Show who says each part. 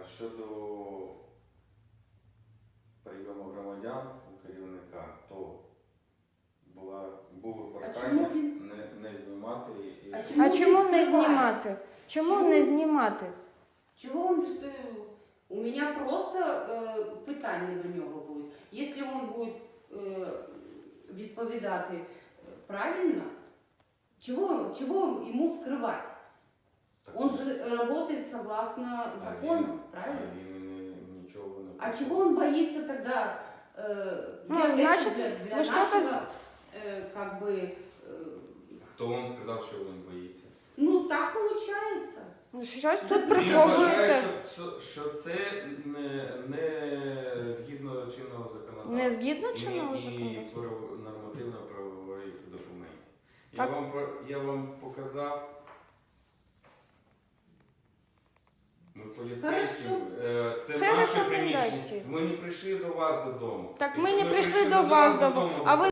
Speaker 1: Щодо прийому громадян у керівника, то було прохання не знімати.
Speaker 2: А чому не знімати? Чому не знімати?
Speaker 3: Чого він у мене просто питання до нього будуть. Якщо він буде відповідати правильно, чего ему скрывать? Он же работает согласно закону, правильно?
Speaker 1: Ничего не...
Speaker 3: А чего он боится тогда?
Speaker 2: Значит,
Speaker 3: для
Speaker 2: вы что-то...
Speaker 3: нашего, как бы...
Speaker 1: Хто вам сказав, що він боїться?
Speaker 3: Ну, так получается.
Speaker 2: Щось тут
Speaker 1: Він
Speaker 2: приховуєте.
Speaker 1: вважає, що це не згідно чинного законодавства.
Speaker 2: Не згідно
Speaker 1: І
Speaker 2: чинного законодавства?
Speaker 1: нормативно-правових документів. Я вам показав. Ми поліцейські, це наше приміщення. Ми не прийшли до вас додому.
Speaker 2: Так ми
Speaker 1: Якщо
Speaker 2: не прийшли
Speaker 1: прийшли
Speaker 2: до вас додому. А ви